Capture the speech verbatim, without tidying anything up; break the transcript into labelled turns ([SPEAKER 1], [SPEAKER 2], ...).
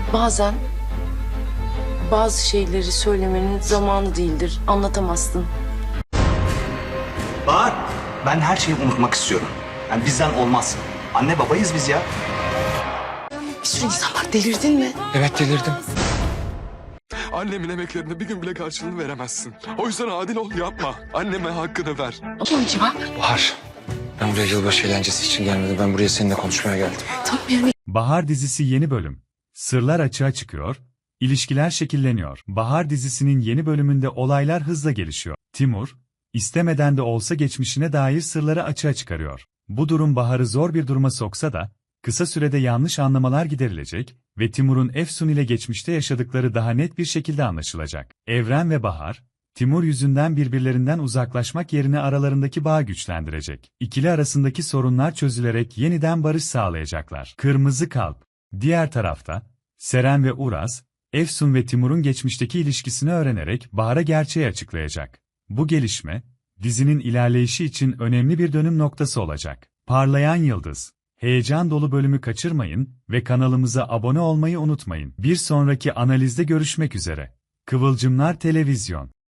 [SPEAKER 1] Bazen bazı şeyleri söylemenin zamanı değildir. Anlatamazsın.
[SPEAKER 2] Bahar, ben her şeyi unutmak istiyorum. Yani bizden olmaz. Anne babayız biz ya.
[SPEAKER 1] Bir sürü insan var. Delirdin mi?
[SPEAKER 3] Evet delirdim.
[SPEAKER 4] Annemin emeklerine bir gün bile karşılığını veremezsin. O yüzden adil ol, yapma. Anneme hakkını ver.
[SPEAKER 1] Amacı bak.
[SPEAKER 3] Bahar, ben buraya yılbaşı eğlencesi için gelmedim. Ben buraya seninle konuşmaya geldim.
[SPEAKER 1] Tam yani.
[SPEAKER 5] Bahar dizisi yeni bölüm. Sırlar açığa çıkıyor, ilişkiler şekilleniyor. Bahar dizisinin yeni bölümünde olaylar hızla gelişiyor. Timur, istemeden de olsa geçmişine dair sırları açığa çıkarıyor. Bu durum Bahar'ı zor bir duruma soksa da, kısa sürede yanlış anlamalar giderilecek ve Timur'un Efsun ile geçmişte yaşadıkları daha net bir şekilde anlaşılacak. Evren ve Bahar, Timur yüzünden birbirlerinden uzaklaşmak yerine aralarındaki bağı güçlendirecek. İkili arasındaki sorunlar çözülerek yeniden barış sağlayacaklar. Kırmızı Kalp. Diğer tarafta, Seren ve Uraz, Efsun ve Timur'un geçmişteki ilişkisini öğrenerek Bahar'a gerçeği açıklayacak. Bu gelişme, dizinin ilerleyişi için önemli bir dönüm noktası olacak. Parlayan Yıldız. Heyecan dolu bölümü kaçırmayın ve kanalımıza abone olmayı unutmayın. Bir sonraki analizde görüşmek üzere. Kıvılcımlar Televizyon.